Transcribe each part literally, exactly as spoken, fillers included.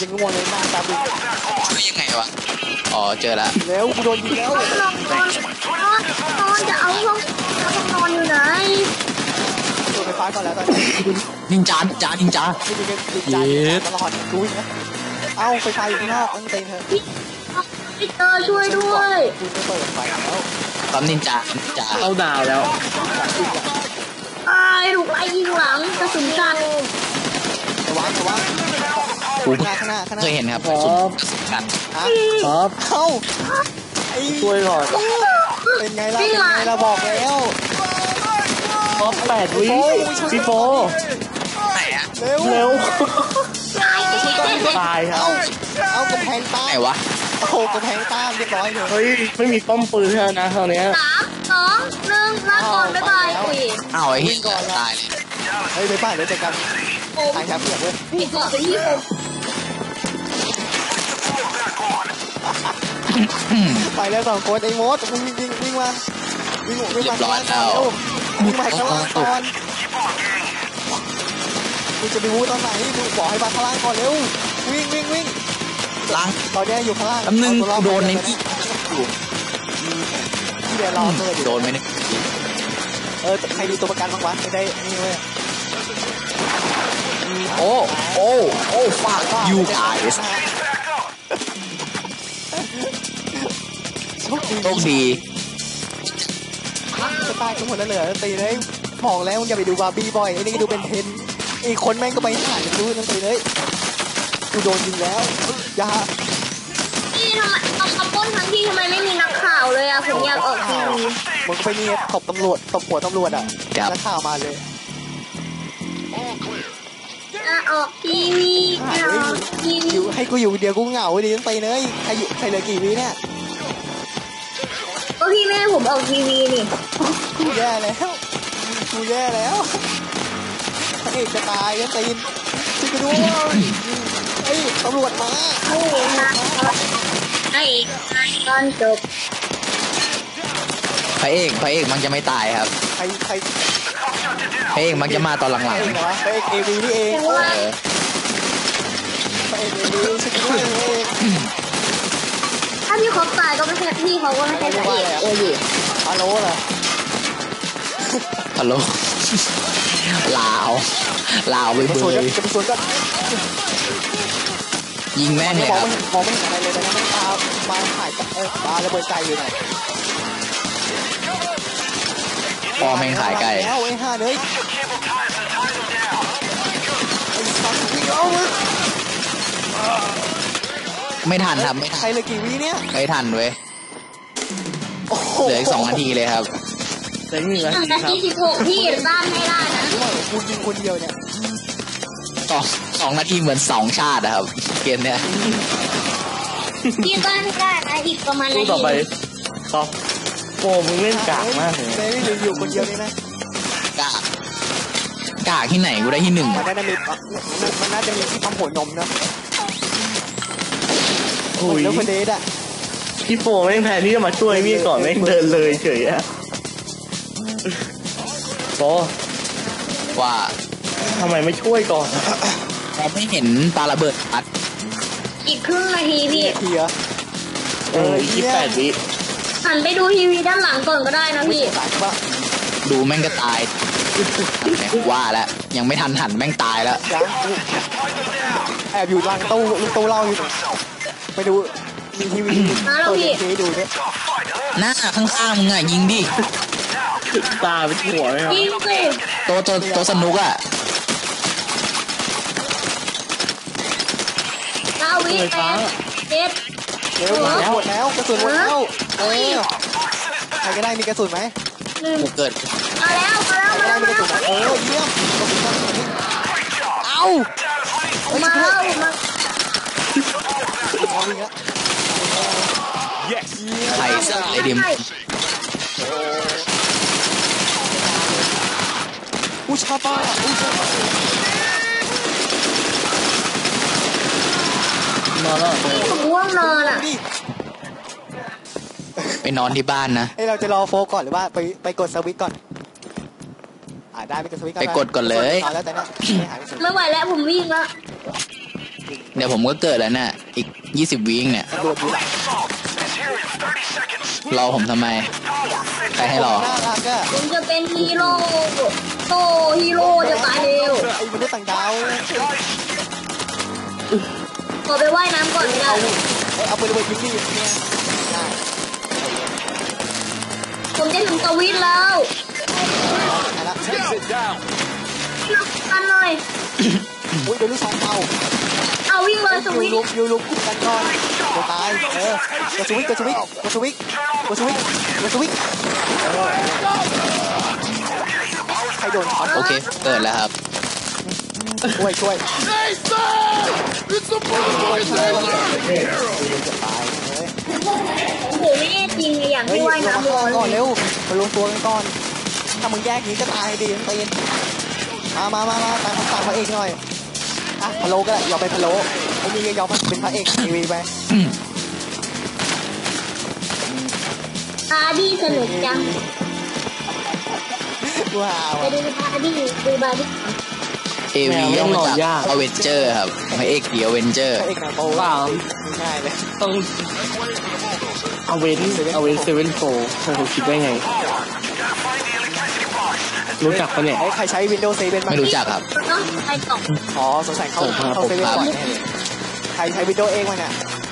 จะง่วงเลยหน้าตาบึ้งช่วยยังไงวะอ๋อเจอละแล้วกูโดนยิงแล้วนอนนอนนอนจะเอาห้องนอนอยู่ไหนตัวไฟฟ้าก่อนแล้วตอนนี้นินจานินจานินจาเย็ดตลอดกูวิ่งนะเอ้าไฟฟ้าอยู่ข้างนอกต้องเต็มเถอะพี่เตอร์ช่วยด้วยกูจะเปิดไฟแล้วปั๊มนินจานินจาเข้าดาวแล้วไอ้ถูกไอ้ยิงหลังกระสุนกันระวังระวังกูข้างหน้าข้างหน้าเคยเห็นครับกระสุนกันครับเอ้าช่วยหน่อยเป็นไงล่ะเป็นไงล่ะบอกแล้วท็อปแปดวิพี่โฟไหนอะเร็วเร็วตายครับเอากระแพงต้านไหนวะโอ้โหกระแพงต้านเรียบร้อยเลยเฮ้ยไม่มีป้อมปืนแล้วนะคราวนี้สามสองหนึ่งลาก่อนบ๊ายบายคุยอ้าวไอ้เหี้ยตายเลยเฮ้ยไปบ้านเดี๋ยวเจอกันตายครับเพื่อนเลยพี่ก่อนเป็นที่ผมไปแล้วสองคนไอ้มดวิ่งวิ่งวิ่งมาวิ่งวิ่งมาข้างล่างก่อนเร็ววิ่งมาข้างล่างก่อนกูจะไปวู้ตอนไหนกูบอกให้มาข้างล่างก่อนเร็ววิ่งวิ่งวิ่งล้างตอนนี้อยู่ข้างล่างแป๊บนึงโดนในที่ที่เดี๋ยวรอเกิดโดนไหมเนี่ยเออใครดูตัวประกันบ้างวะไม่ได้นี่เว้ยโอ้โอ้โอ้ฟาดยูไอส์โชคดีโชคดีจะตายกันหมดแล้วเหรอตีเลยบอกแล้วมึงอย่าไปดูบาร์บี้บ่อยไอ้นี่ดูเป็นเทนอีกคนแม่งก็ไปถ่ายดูนั่นตีเลยกูโดนยิงแล้วอย่านี่ทำไมตบกระปุ้นทั้งที่ทำไมไม่มีนักข่าวเลยอะผมอยากออกทีวีมึงไปนี่ตบตำรวจตบหัวตำรวจอ่ะนักข่าวมาเลยออกทีวีอยู่ให้กูอยู่เดียวกูเหงาดิตั้งตีเลยใครอยู่ใครเหลือกี่วิเนี่ยก็พี่ไม่ให้ผมออกทีวีนี่กูแย่แล้วกูแย่แล้วพระเอกจะตายตั้งตีนช่วยกูด้วยไอ้ตำรวจมาโอ้ยนะไอ้ตอนจบพระเอกพระเอกมันจะไม่ตายครับใครใครพระเอกมันจะมาตอนหลังๆพระเอกเอวีนี่เองพระเอกเอวีช่วยกูด้วยถ้าพี่เขาตายก็ไม่ใช่พี่เขาก็ไม่ใช่พระเอกเอวีฮัลโหลเหรอฮัลโหลลาวลาวไปเบยจะไปสวนกันยิงแม่เนี่ยครับมองไม่เห็นอะไรเลยนะมันตามาถ่ายเออตาระเบิดไกลอยู่ไหนพอแม่งขายไก่แล้วไอ้ห่าเลยไม่ทันครับไม่ทันใครเลยกี่วิเนี่ยไม่ทันเว้ยเหลืออีกสองนาทีเลยครับเหลือหนึ่งนาทีครับสิบหกที่บ้านไม่ได้นะกูยิงคนเดียวเนี่ยสองสองนาทีเหมือนสองชาตินะครับเกมเนี้ยที่บ้านไม่ได้นะอีกประมาณนาทีต่อไปต่อโอ้มึงเล่นกากมากเลยไม่ได้อยู่คนเดียวนี่นะกากกากที่ไหนกูได้ที่หนึ่งมันน่าจะมีมันน่าจะมีที่ปั๊มหัวนมนะโอ้ยแล้วคนเดทอ่ะพี่โฟแม่งแทนที่จะมาช่วยพี่ก่อนแม่งเดินเลยเฉยอะโฟว่าทำไมไม่ช่วยก่อนเราไม่เห็นปาระเบิดอัดอีกครึ่งนาทีพี่ทีเหรอเออยี่สิบแปดวิหันไปดูทีวีด้านหลังก่อนก็ได้นะพี่ดูแม่งก็ตายว่าแล้วยังไม่ทันหันแม่งตายแล้วแอบอยู่หลังตู้ลูกตู้เล่าอยู่ไปดูมีทีวีเปิดทีวีดูเนี่ยหน้าข้างๆมึงอ่ะยิงดิตาไปหัวเลยครับยิงสิตัวตัวตัวสนุกอ่ะเก้าวิแปดเจ็ดเร็วหมดแล้วกระสุนหมดแล้วเออใครก็ได้มีกระสุนไหมกูเกิดมาแล้วมาแล้วมาแล้วมาแล้วเออเยี่ยมเอ้ามาแล้วมาใครสักไอเดียมอุชาบะอุชาบะนอนแล้วผมง่วงนอนอ่ะไปนอนที่บ้านนะเฮ้ยเราจะรอโฟก่อนหรือว่าไปไปกดสวิตก่อนอ่าได้ไปกดสวิตก่อนไปกดก่อนเลยไม่ไหวแล้วผมวิ่งแล้วเดี๋ยวผมก็เกิดแล้วน่ะอีกยี่สิบวิเนี่ยตำรวจอยู่หลังรอผมทำไมใครให้รอน่ารักอะผมจะเป็นฮีโร่โตฮีโร่จะตายเร็วไอ้มนุษย์ต่างดาวขอไปว่ายน้ำก่อนนะเอาเอาไประเบิดยิงดิเนี่ยได้ผมจะถึงสวิตแล้วได้ละกันหน่อยอุ้ยโดนลูกซองเป่าเอาวิ่งเลยสยูวิตลุกยูลุกคุมกันก่อนเดี๋ยวตายเออกดสวิตช์กดสวิตช์กดสวิตช์กดสวิตช์กดสวิตช์ใครโดนช็อตโอเคเกิดแล้วครับช่วยช่วยช่วยช่วยช่วยจะตายเฮ้ยโอ้โหไม่แน่จริงเลยอย่างเฮ้ยที่ว่ายลงน้ำมาร้อนก่อนเร็วมาลงตัวกันก่อนถ้ามึงแยกนี้ก็ตายดีทั้งตีนมามามามาตามคำสั่งพระเอกหน่อยอ่ะพะโล้ก็ได้ยอมไปพะโล้ไอ้นี่ก็ยอมเป็นพระเอกทีวีไปบาร์ดี้สนุกจังว้าวไปดูบาร์ดี้ดูบาร์ดี้เอวีย่อมาจากอเวนเจอร์ครับพระเอกเดียวเวนเจอร์พระเอกหนังโป๊เปล่าง่ายเลยต้องเอาเวนเอาเวนเซเว่นโฟเธอคิดได้ไง รู้จักปะเนี่ยไอ้ใครใช้ Windows เซเว่นบ้างไม่รู้จักครับเนาะไปต่ออ๋อสงสัยเข้าผมครับเข้าเซเว่นผมครับบ่อยแน่เลยใครใช้ Windows เองมั้งเนี่ย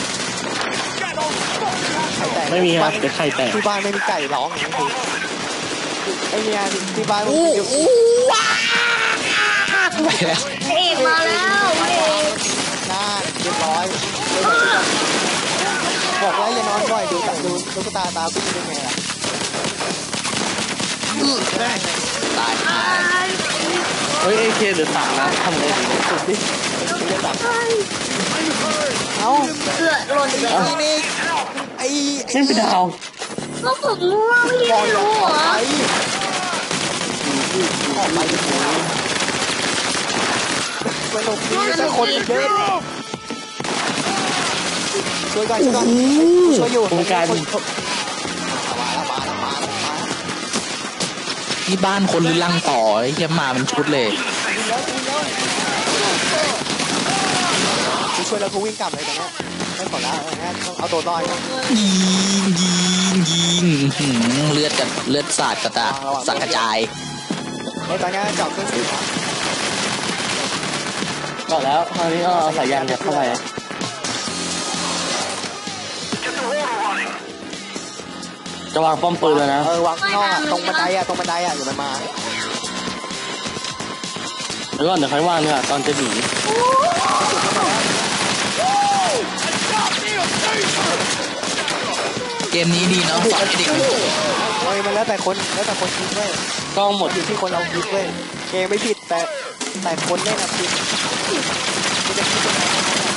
ไข่แตกไม่มีครับเดี๋ยวไข่แตกที่บ้านไม่มีไก่ร้องอย่างนี้คือไอ้เนี่ยที่บ้านมันอู้อยู่อู้ว้าไปแล้วพระเอกมาแล้วพระเอกหน้าเรียบร้อยบอกแล้วอย่านอนบ่อยดูตาดูตุ๊กตาตาพี่เป็นไงล่ะตายหาเฮ้ยเอเคเดือดสามนะทำไงดีสุดดิเอ้าเกือหล่นเลยไอ้นี่ไอ้เล่นไปดาวก็ผมง่วงไม่บอลรู้ออกเหรไปอออกไปสนุกดีแต่คนเยอะช่วยก่อนช่วยก่อนช่วยอยู่วงการมาแล้วมาแล้วมาแล้วมานี่บ้านคนหรือลังต่อไอ้เหี้ยมาเป็นชุดเลยช่วยแล้วกูวิ่งกลับเลยตอนนี้ไม่ขอแล้วต้องเอาตัวรอดยิงยิงยิงอื้อหือเลือดกับเลือดสาดกระตาสักกระจายไอ้ตอนนี้จับเครื่องสีฟ้าก่อนแล้วคราวนี้ก็เอาสายยางยัดเข้าไปจะวางป้อมปืนแล้วนะเออวางนอกตรงบันไดอะตรงบันไดอะอย่ามันมาแล้วก่อนเดี๋ยวค่อยวางเนี่ยตอนจะหนีเกมนี้ดีเนาะสอนให้เด็กมันโกรธเฮ้ยมันแล้วแต่คนแล้วแต่คนคิดเว้ยกล้องหมดอยู่ที่คนเราคิดเว้ยเกมไม่ผิดแต่แต่คนเล่นอะผิดไม่ได้คิดยังไง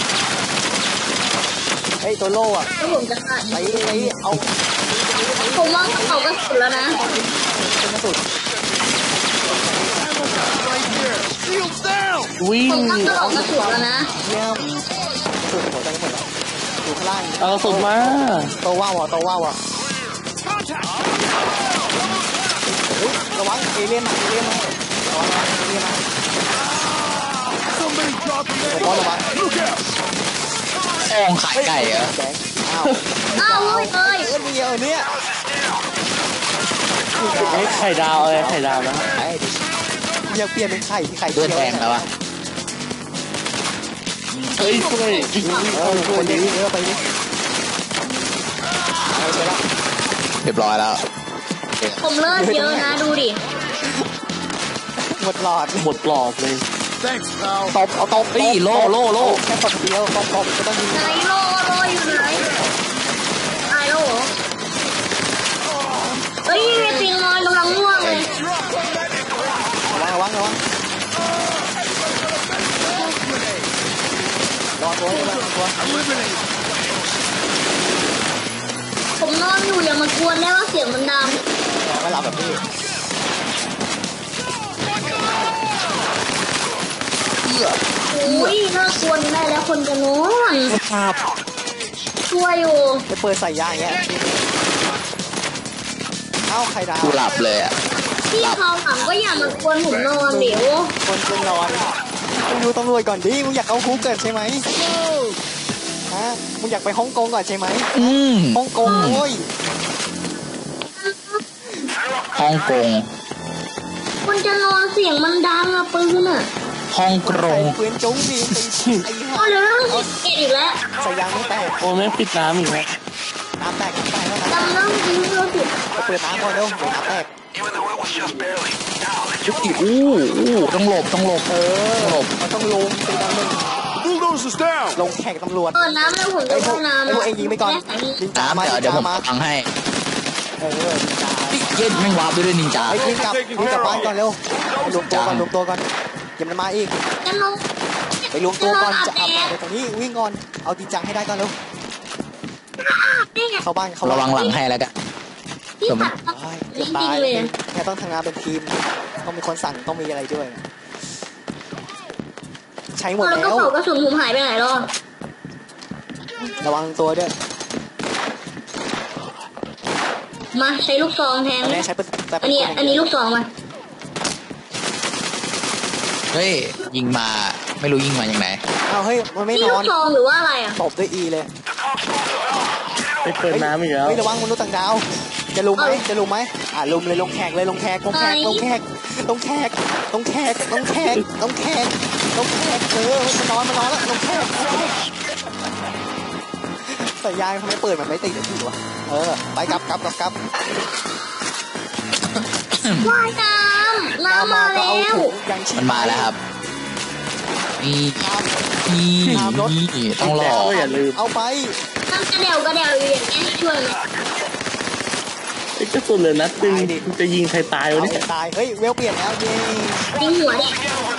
ไอ้ตัวโล่อะแล้วผมจะฆ่าไอ้ไอ้เอาผมว่าเขาก็สุดแล้วนะเป็นกระสุนวิ่งผมก็จะออกกระสุนแล้วนะเยี่ยมสุดหัวใจหมดแล้วอยู่ข้างล่างเอากระสุนมาโตว่าวอ่ะโตว่าวอ่ะระวังเอเลี่ยนมาเอเลี่ยนมาระวังเอเลี่ยนมาระวังระวังแองขายไก่เหรอแดงอ้าวอ้าวเฮ้ยเอ้ยเออเดียวเนี่ยเฮ้ยไข่ดาวอะไรไข่ดาวนะไอ้ดิอยากเปลี่ยนเป็นไข่ที่ไข่เลือดแดงแล้วอะเฮ้ยช่วยเออช่วยดิเออไปดิเอาไปละเรียบร้อยแล้วผมเลิศเยอะนะดูดิหมดหลอดหมดปลอกเลยตบเอาตบเฮ้ยโล่โล่โล่แค่ตบเดียวตบตบก็ต้องยิงไหนโลโลอยู่ไหนตายแล้วเหรอเฮ้ยมีปิงนอนกำลังง่วงเลยระวังระวังระวังระวังตัวระวังตัวผมนอนอยู่อย่ามากวนได้ว่าเสียงมันดังไม่หลับแบบนี้อุ้ยน่ากวนได้แล้วคนจะนอนครับช่วยอยู่จะเปิดใส่ยางอย่างเงี้ยเอ้าไข่ดาวกูหลับเลยอ่ะพี่เขาหลังก็อย่ามากวนผมนอนเดี๋ยวคนจะนอนมึงดูตำรวจก่อนดิมึงอยากเอาคุกเกิดใช่ไหมฮะมึงอยากไปฮ่องกงก่อนใช่ไหมอืมฮ่องกงโว้ยฮ่องกงคนจะนอนเสียงมันดังอะปืนอะฮ่องกงปืนจุ้งดิตีไอ้เอาเดี๋ยวเรื่องเกตอีกแล้วใส่ยางไม่แตกโอ้แม่งปิดน้ำอีกแล้วน้ำแตกน้ำแตกแล้วนะจำเรื่องจริงเรื่องผิดเปิดน้ำก่อนเร็วเดี๋ยวน้ำแตกอู้อู้ต้องหลบต้องหลบเออหลบมันต้องลงตีดังหนึ่ง Bulldozers down! ลงแข่งตำรวจเปิดน้ำแล้วผมจะไอ้พวเข้าก น้ำไอ้พวกเองยิงไปก่อนนินจามาน้ำเดี๋ยวนินเดี๋ยวผมจามาฟังให้เออนินจาเย็นไม่งวาร์ปด้วยนินจาไอ้ยิงกลับยิงกลับบ้านก่อนเร็วไปรวมตัวก่อนรวมตัวก่อนอย่ามันมาอีกจะลงไปรวมตัวก่อนจะอาบน้ำไปตรงนี้วิ่งก่อนเอาจริงจังให้ได้ก่อนเร็วนี่ไงเข้าบ้านเข้าระบ้านวังหลังให้แล้วกันที่ผัดเฮ้ยจริเกือบงตายๆเลยแค่ต้องทำงานเป็นทีมต้องมีคนสั่งต้องมีอะไรด้วยใช้หมดแล้วก็แล้วเป่ากระสุนผมหายไปไหนแล้วระวังตัวด้วยมาใช้ลูกซองแทนอันนี้ใช้เป็นแต่อันนี้อันนี้ลูกซองมาเฮ้ยยิงมาไม่รู้ยิงมาอย่างไหนเอาเฮ้ยมันไม่นี่นลูอนกซองหรือว่าอะไรอ่ะตบด้วยอีเลยไปเปิดน้ำอีกแล้วเฮ้ยระวังมนุษย์ต่างดาวจะลุมไหมจะลุมไหมอ่าลุมเลยลงแขกเลยลงแขกลงแขกลงแขกลงแขกลงแขกลงแขกลงแขกลงแขกเออมันนอนมันนอนแล้วลงแขกแต่ยายทำไมเปิดมันไม่ติดอยู่วะเออไปกลับกลับกลับกลับว่ายน้ำน้ำมาก็แล้เอาวถุงยังชีพมันมาแล้วครับนี่นี่นี่ต้องรแต่อก็อย่าลืมเอาไปน้ำกระเดวกระเดวอยู่อย่างนี้ช่วยไหมไอ้กระสุนเลยนัดตึงจะยิงใครตายวะเอาเนี่ยให้ตายเฮ้ยเวลเปลี่ยนแล้วเย้ยิงหัวดิ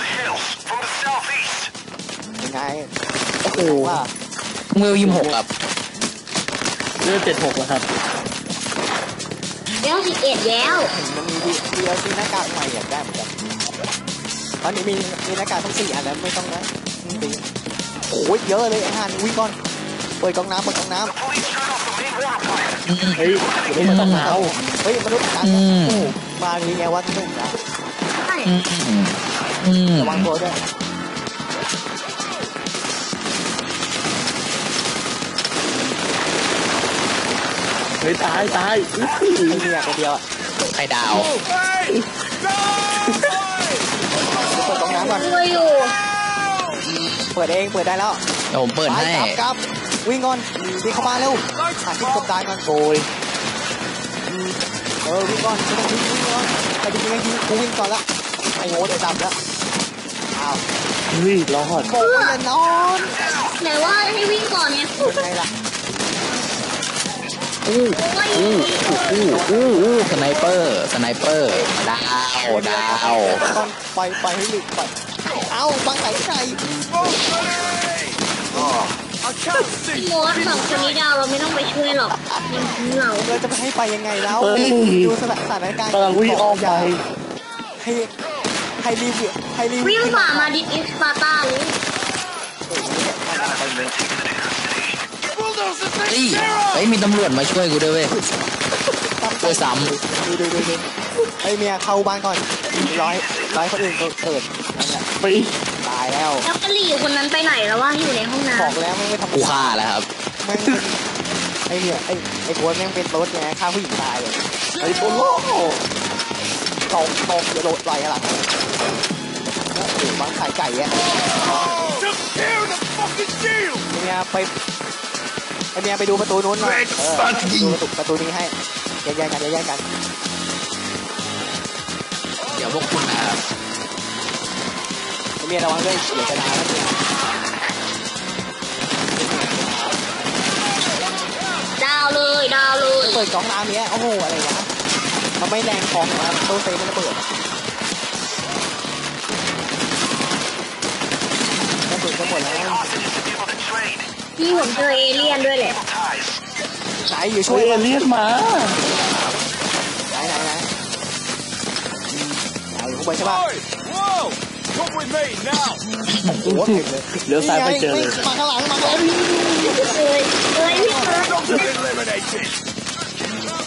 ยังไงโอ้โหว่าเมื่อยี่สิบหกครับเลือดเจ็ดหกแล้วครับแล้วสิบเอ็ดแล้วมันมีดีเอลซีหน้ากากใหม่อยากได้เหมือนกันตอนนี้มีมีหน้ากากทั้งสี่อันแล้วไม่ต้องนะตีโอ้ยเยอะเลยไอ้ห่านวิ่งก่อนเปิดกองน้ำเปิดกองน้ำเฮ้ยไม่ต้องเอาเฮ้ยมนุษย์ต่างดาวโอ้โหมาดีไงวะที่หนึ่งนะใช่อืมอืมระวังตัวด้วยเฮ้ยตายตายไอ้เมียคนเดียวอะไข่ดาวเปิดกองน้ำก่อนช่วยอยู่เปิดเองเปิดได้แล้วเดี๋ยวผมเปิดให้กลับกลับวิ่งก่อนวิ่งเข้ามาเร็วหาที่กบดานก่อนโอยเออวิ่งก่อนไม่ต้องวิ่งวิ่งก่อนใครจะยิงให้ยิงกูวิ่งก่อนละไอ้โง่เดี๋ยวดับแล้วอ้าวเฮ้ยรอดโง่อย่านอนไหนว่าให้วิ่งก่อนเนี่ยยังไงล่ะอู้โอ้ยอู้อู้อู้อู้สไนเปอร์สไนเปอร์ดาวดาวตอนไปไปให้หลุดไปเอ้าบังไหนใครพี่โมดสองคนนี้ดาวเราไม่ต้องไปช่วยหรอกมันทิ้งเราเราจะไปให้ไปยังไงแล้วดูสถานการณ์กำลังวิ่งอ้อมไปให้ให้รีวิวให้รีวิววิ่งฝ่ามาดิอิสปาร์ตาเลยเฮ้ยเฮ้ยมีตำรวจมาช่วยกูด้วยเว้ยช่วยซ้ดูดูดูดูไอ้เมียเข้าบ้านก่อนร้อยร้อยคนอื่นเกิดนั่นแหละไปตายแล้วแล้วกะหรี่คนนั้นไปไหนแล้วว่าอยู่ในห้องน้บอกแล้วไม่ไม่ำทำกูฆ่าแล้วครับแม่งไอ้เนี่ยไอ้ไอ้โค้ดแม่งเป็นรถไงฆ่าผู้หญิงตายเลยไอ้โค้ดโลตกตกอย่าโดดไหลอะไรโอ้โหบางขายไก่อะไอ้เมียไปไอ้เมียไปดูประตูนู้นหน่อยเออดูประตูประตูนี้ให้แยกๆกันแยกๆกันเดี๋ยวพวกคุณนะครับไอ้เมียระวังด้วยเดี๋ยวจะดาแล้วเมียำดาวเลยดาวเลยเปิดกล่องน้ำเนี้ยโอ้โหอะไรวะมันไม่แรงของนะตู้เซฟมันระเบิดกระสุนก็หมดแล้วพี่ผมเจอเอเลี่ยนด้วยแหละไหนอยู่ช่ช่ววย ยมันเรียกมาไหนไหนไหนอืมไหนอยู่ข้างบนใช่ป่ะ Whoa! Come with me now! โอ้โหเต็มเลยเลี้ยวซ้ายไปเจอเลยมาข้างหลังมาข้างหลังเลยเลยพี่เปิด Eliminated!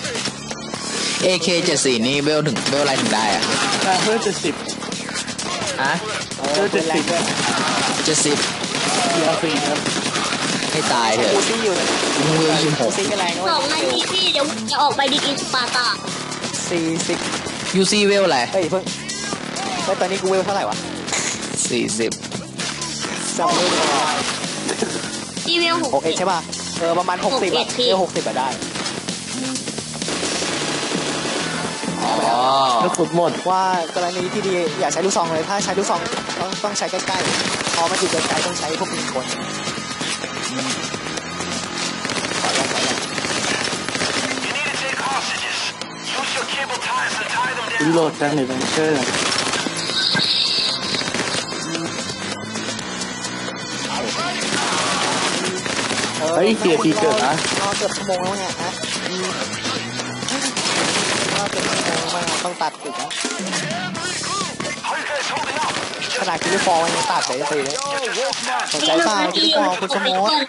เอเคเจ็ดสี่นี่เวลถึงเวลอะไรถึงได้อะตาเพื่อจะสิบฮะเออเจ็ดสิบด้วยเจ็ดสิบเกียร์สี่ครับให้ตายเถอะกูซี่อยู่มึงเวลยี่สิบหกูกซี่ก็แรงนะสเว้องนาทียพี่เดี๋ยวจะออกไปดีกินสปาร์ตาสี่สิบยูซีเวลอะไรเฮ้ยเพิ่งเฮ้ยตอนนี้กูเวลเท่าไหร่วะสี่สิบจำไม่ได้พี่เวลหกหกเอ็ดใช่ป่ะเออประมาณหกสิบอะหกเอ็ดพี่เวลหกสิบอะได้อ๋อแล้วสุดหมดว่ากรณีที่ดีอย่าใช้ลูกซองเลยถ้าใช้ลูกซองต้องต้องใช้ใกล้ๆพอมันอยู่ไกลๆต้องใช้พวกยิงคนขอลองขอลองรีโหลดกันหรือเป็นเชื่อ เฮ้ยเสียทีเกิดนะรอเกือบชั่วโมงแล้วเนี่ยฮะรอเกือบชั่วโมงมาต้องตัดอีกนะขนาดคิริฟอร์มันยังตัดเลยสิเลยสนใจเปล่าคิริฟอร์คุณสมมติ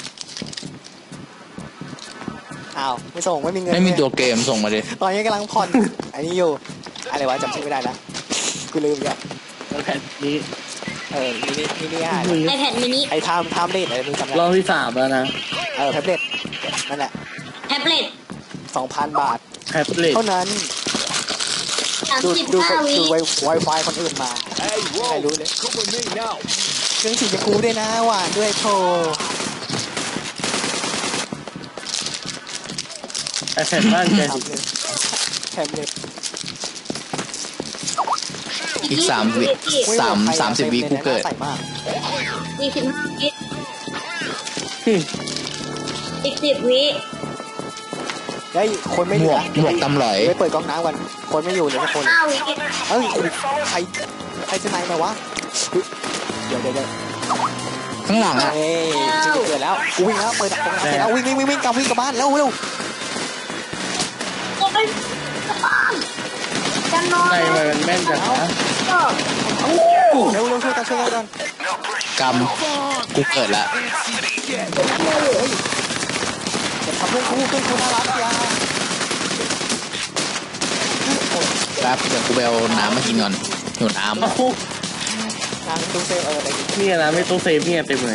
อ้าวไม่ส่งไม่มีเงินไม่มีตัวเกมส่งมาดิตอนนี้กำลังผ่อนอันนี้อยู่อะไรวะจำชื่อไม่ได้แล้วกูลืมอีกแล้วแล้วแผ่นนี้เออมินิมินิอ่ะไอแพดมินิไอ้ไทม์ไทม์เลดอะไรมึงจำได้รอบที่สามแล้วนะเออแท็บเล็ตนั่นแหละแท็บเล็ตสองพันบาทแท็บเล็ตเท่านั้นสามดูสิบดูห้าวิดูไวไฟคนอื่นมา Hey, ใคร whoa. รู้เลย Come with me now. เครื่องสีชมพูด้วยนะหวานด้วยโทไอแผ่นบ้านแกทำดิเลยแท็บเล็ตอีกสามวิสามสามสิบวิกูเกิดใส่มากสี่สิบห้าวิอีกสิบวิเฮ้ยคนไม่อหมยู่วกนะหมวกตำหลอยไปเปิดก๊อกน้ำกันคนไม่อยู่เลยทุกคนห้าวิเฮ้ยใครใครจะไหนมาวะเดี๋ยวเดี๋ยวเดี๋ยวข้างหลังอ่ะเฮ้ยจะเกิดแล้วกูวิ่งแล้วเปิดก๊อกน้ำเสร็จแล้ววิ่งวิ่งวิ่งวิ่งกลับวิ่งกลับบ้านแล้วเร็วโอ้ยสปาร์จะนอนใจมันแม่นจังนะก็เร็วเร็วช่วยกันช่วยกันกำกูเกิดละอย่าทำเพื่อนกูเพื่อนกูน่ารักอย่าแป๊บเดี๋ยวกูไปเอาน้ำมากินก่อนหิวน้เอ้าทางดูเซลเอออะไรเนี่ยนะไม่ต้องเซฟเนี่ยเต็มเลย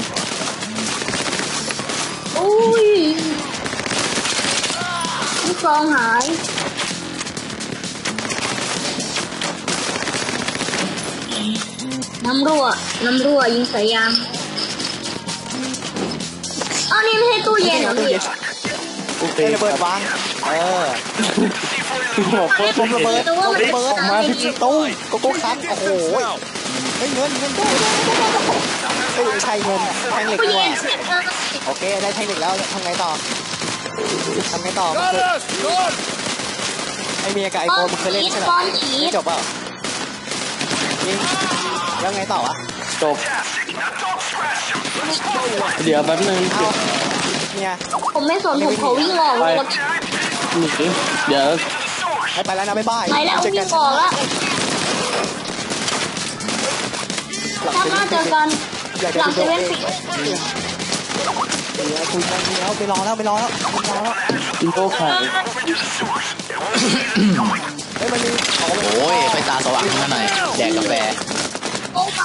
อุ้ยลูกซองหายน้ำรั่วน้ำรั่วยิงใส่ยางอ้าวนี่ไม่ใช่ตู้เย็นเหรอพี่โอเคเฮ้ยระเบิดวางเออบอกเพิ่มผมระเบิดแต่ว่ามันระเบิดออกมาที่ตู้โกโก้คัทโอ้โหเฮ้ยเงินเงินได้เฮ้ยใช่เงินแท่งเหล็กตู้ด้วเย็ยนเสร็จแล้วโอเคได้แท่งเหล็กแล้วทำไงต่อทำไงต่อ Got us. Good. ไอเมียกับไอโฟนมึงเคยเล่นใช่ไหมบอลผีไม่จบเปล่ายิงแล้วไงต่อวะจบเดี๋ยวแป๊บนึงเอาเนี่ยผมไม่สนผมขอวิ่งออกรถหนีเดี๋ยวให้ไปแล้วนะบ๊ายบายไปแล้วเจอวิ่กังนออกแล้วถ้ามาเจอกันอยากหจะลังดูเซตัวเว่นเองสิเดี๋ยวคุยกันแล้วไปรอแล้วไปรอแล้วไปรอแล้วอินโต้ขายเฮ้ยมันมีของมันำโอ้ยไฟตาสว่างขึ้นมาหน่อยแดกกาแฟโอ้ย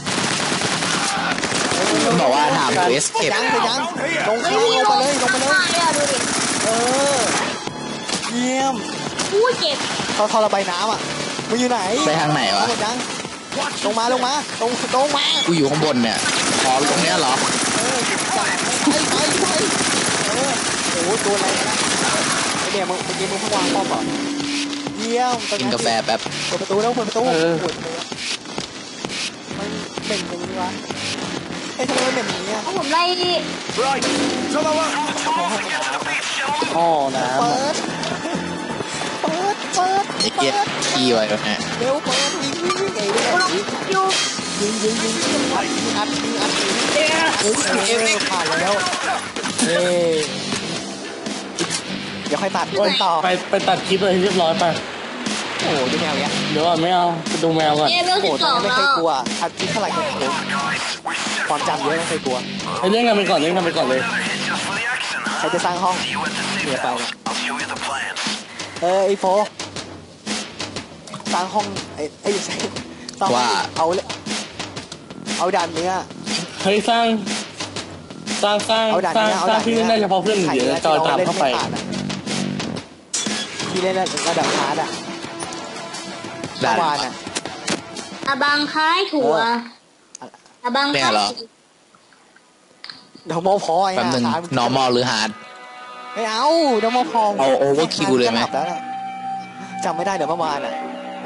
มันบอกว่าถามเวสเก็เก็บบ ยังเก็บยังลงข้างลงไปเลยลงไปเลยอะดูดิเออเยี่ยมอู้เจ็บเขาท่อระบายน้ำอ่ะมึงอยู่ไหนไปทางไหนวะหมดยังลงมาลงมาลงลงมากูอยู่ข้างบนเนี่ยอ๋อตรงเนี้ยเหรอเออจ่ายไปไปไปเออโอ้โหตัวอะไรนะไอเนี่ยมึงเมื่อกี้มึงเพิ่งวางป้อมเหรอเยี่ยมกินกาแฟแป๊บเปิดประตูแล้วเปิดประตูปวดเลยมันเบ่งอย่างนี้วะเอ้ยทำไมมันเบ่งอย่างนี้อ่ะเพราะผมไล่ Right. To the left. ท่อน้ำเปิอะดเปิดเปิดไอ้เกียขี้ไว้แล้วเนี่ยเร็วเปิดยิงยิงยิงไอ้เนี่ยอยู่ยิงยิงยิงยิงอัดยิงอัดยิงอัดยิงเฮ้ยเออผ่านแล้วเฮ้ยเดี๋ยวค่อยตัดโอ้ยต่อไปไปตัดคลิปเลยเรียบร้อยไปโอ้โหดูแมวเนี้ยเดี๋ยวก่อนไม่เอาไปดูแมวก่อนเอเวลโอ้สิโหบตสอนองนี้ไม่แล้เคยว กลัวทัดที่เท่าไหร่ก็โอ้ความจำเยอะไม่เคยกลัวไปเล่นกันไปก่อนเล่นกันไปก่อนเลยใครจะสร้างห้องเดี๋ยวไปนะเออไอโฟสร้างห้องไอ้ไอ้ใช่ต้องว่าเอาเลยเอาด่านเนี้ยเฮ้ยสร้างสร้างสร้างเอาด่านสร้างเนี้ยเอาสร้าด่าง นที่เนี้ยเล่นได้เฉพาะเพื่อนไข่เดี๋ยวเนี้ยจอยตามที่รเข้าไปล่นม่ผ่นอะที่เล่นระดับฮาร์ดอะด่าเมื่อวานนอะอาบังคล้ายถั่วเอออาบังเนี่คล้ายเหรอเดยวมอพอยแป๊บนึง normal หรือ hard ไม่เอาเดยวมอพอเอา overkill เลยไหมแล้วน่ะจำไม่ได้เดี๋ยวเมื่อวานอะ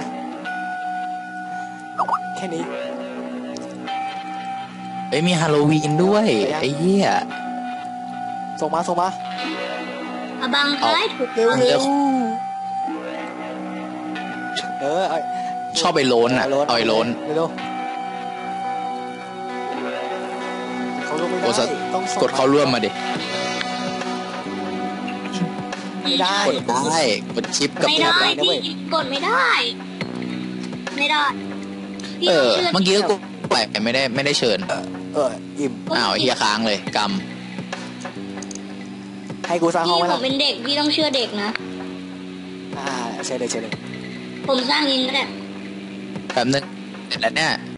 แค่นี้เอ้ยมีฮาโลวีนด้วยไอ้เหี้ยส่งมาส่งมาอาบังคล้ายถั่วเร็วเร็เร็ววเออไอ้ชอบไอ้โลนอ่ะเอาไอ้โลนเร็วๆเขาลงไม่โอ้สัได้ตว์ต้องส่งกดเข้าร่วมมาดิไม่ได้กดได้กดชิปกับไม่แท็ได้บอะพี่กดไม่ได้ ไม่ได้พี่เอต้องอเชื่อเมื่อกี้ก็ไปไม่ได้ไม่ได้เชิญเอออิ่มอ้าวไอ้เฮียค้างเลยกให้กูสร้างห้องพี่ไว้ผละมเป็นเด็กพี่ต้องเชื่อเด็กนะอ่าเชิญเลยเชิญเลยผมสร้างเองก็ได้ำแบบนึงเสร็จแล้วเนี่ย